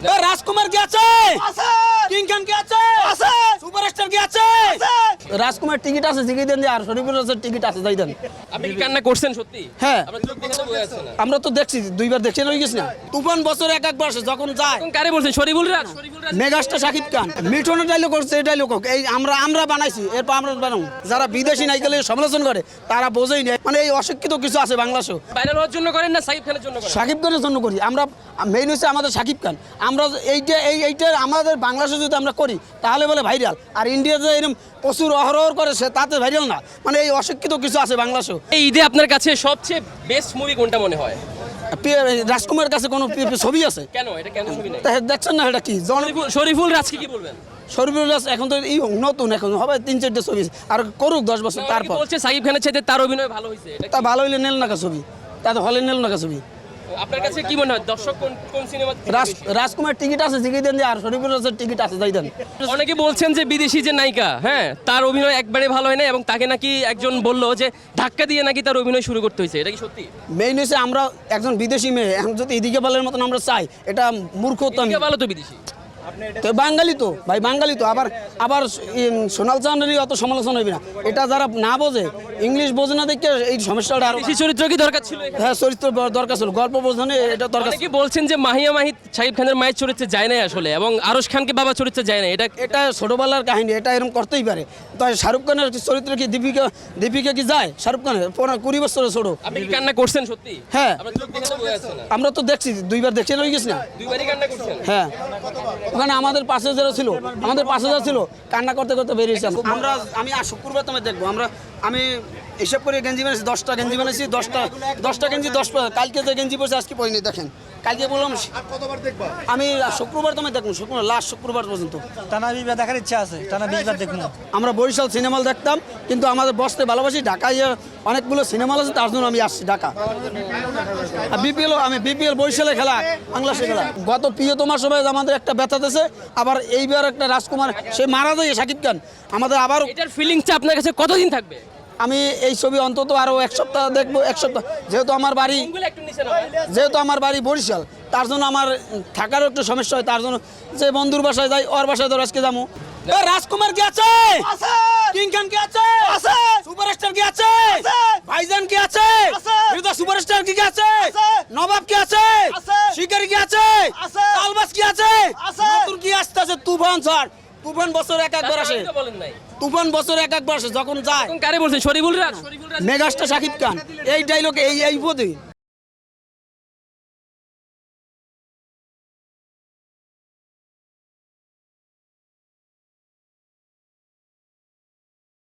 রাজকুমার কি আছে? কিং খান কি আছে? সুপারস্টার কি আছে? রাজকুমার টিকিট আছে, টিকিট দেন। আর শরীফুল রাজের টিকিট আছে, যাই দেন। আপনি কি কান্না করছেন সত্যি? হ্যাঁ, আপনার চোখ দেখে তো বোঝা যাচ্ছে না। আমরা তো দেখছি, দুইবার দেখছি, হয়ে গেছি না। তুফান বছর এক একবার আসে, যখন যায়। এখন কারে বলছেন? শরীফুল রাজ? মেগাস্টার শাকিব খান মিঠুনের ডায়লগ করছে, এই ডায়লগ এই আমরা বানাইছি, এরপর আমরা বানাবো। যারা বিদেশি নায়িকালে সমালোচনা করে তারা বোঝেই না, মানে এই অশিক্ষিত কিছু আছে বাংলাদেশে। ভাইরাল হওয়ার জন্য করেন না সাকিব খানের জন্য করেন? শাকিব খানের জন্য করি আমরা। মেইন হচ্ছে আমাদের শাকিব খান। আমরা এইটা আমাদের বাংলাদেশে যদি আমরা করি তাহলে বলে ভাইরাল, আর ইন্ডিয়াতে এরকম প্রচুর অহরহ করে সে তাতে ভাইরাল না। মানে এই অশিক্ষিত কিছু আছে বাংলাদেশে। এই ঈদে আপনার কাছে সবচেয়ে বেস্ট মুভি কোনটা মনে হয়? রাজকুমারের কাছে কোনো ছবি আছে? কেন এটা কেন ছবি নাই? দেখছেন না এটা কি? শরীফুল রাজকে কি বলবেন? শরীফুল রাজ এখন তো নতুন, এখন হবে 3-4টা ছবি, আর করুক 10 বছর তারপর। বলছে সাকিব খানের চাইতে তার অভিনয় ভালো হয়েছে, এটা তা ভালো হইলে নেল না ছবি, তা তো হলে নেল না ছবি। আপনার কাছে কি মনে হয় দর্শক কোন সিনেমা? রাজকুমার টিকিট আছে, টিকিট দেন। আর শরীফুল রাজের টিকিট আছে, যাই দেন। অনেকে বলছেন যে বিদেশি যে নায়িকা, হ্যাঁ, তার অভিনয় একবারে ভালো হয় না, এবং তাকে নাকি একজন বললো যে ধাক্কা দিয়ে নাকি তার অভিনয় শুরু করতে হয়েছে, এটা কি সত্যি? মেইন হচ্ছে আমরা একজন বিদেশি মেয়ে, এখন যদি এদিকে বলার মতন আমরা চাই, এটা মূর্খতা। ভালো তো বিদেশি তো বাঙালি তো ভাই, বাঙালি তো। আবার সোনাল চাঁদেরই অত সমালোচনা হইবে না। এটা যারা না বোঝে, ইংলিশ বোঝে না দেখে এই সমস্যাটা। আর বিদেশি চরিত্র কি দরকার ছিল? হ্যাঁ, চরিত্র দরকার ছিল, গল্প বোঝানো এটা দরকার। কি বলছেন যে মাহিয়া মাহিদ সাকিব খানের মায়ের চরিত্রে যায় না আসলে, এবং আরশ খানকে বাবা চরিত্রে যায় না, এটা ছোটবেলার কাহিনী, এটা এরকম করতেই পারে। তাই শাহরুখ খানের চরিত্র কি দীপিকা কি যায়? শাহরুখ খানের 20 বছরের ছোট। আপনি কি কান্না করছেন সত্যি? হ্যাঁ, আপনার চোখ দেখে তো বোঝা যাচ্ছে না। আমরা তো দেখছি, দুইবার দেখছি, হয়ে গেছি না? দুইবারই কান্না করছেন? হ্যাঁ, ওখানে আমাদের পাশে যারা ছিল, কান্না করতে করতে বেরিয়েছি আমরা। আমি শুক্রবার তোমায় দেখবো। আমি হিসাব করে গেঞ্জি বানিয়েছি, 10টা গেঞ্জি বানিয়েছি, 10টা গেঞ্জি 10। কালকে যে গেঞ্জি পড়ছে আজকে পড়িনি, দেখেন। কালকে বললাম আমি শুক্রবার তোমায় দেখবো, লাস্ট শুক্রবার পর্যন্ত। টানা 20 বার দেখার ইচ্ছা আছে, টানা 20 বার দেখবো। আমরা বরিশাল সিনেমা হল দেখতাম, কিন্তু আমাদের বসতে ভালোবাসি। ঢাকায় অনেকগুলো সিনেমা হল আছে, তার জন্য আমি আসছি ঢাকা। বিপিএল বরিশালে খেলা, বাংলাদেশে খেলা। গত প্রিয়তমার সময় আমাদের একটা ব্যথা দিয়েছে, আবার এইবার একটা রাজকুমার সে মারা যায় শাকিব খান। আমাদের আবার এটার ফিলিংসটা আপনার কাছে কতদিন থাকবে? আমি এই ছবি অন্তত আরো 1 সপ্তাহ দেখবো। 1 সপ্তাহ, যেহেতু আমার বাড়ি বরিশাল, তার জন্য আমার থাকারও একটু সমস্যা হয়। তার জন্য যে বন্ধুর বাসায় যাই, ওর বাসায় তো আজকে যাবো। রাজকুমার কি আছে? কিং খান কি আছে? সুপারস্টার কি আছে? ভাইজান কি আছে? সুপারস্টার কি আছে? নবাব কি আছে? শিকারি কি আছে? তালবাস কি আছে? নতুন কি আসতেছে? তুফান স্যার, তুফান বছর এক একবার আসে। তুফান বছর এক একবার আসে, যখন যায়। কারে বলছেন? শরীফুল রাজ? মেগাস্টার শাকিব খান এই ডায়লগ এই বোধই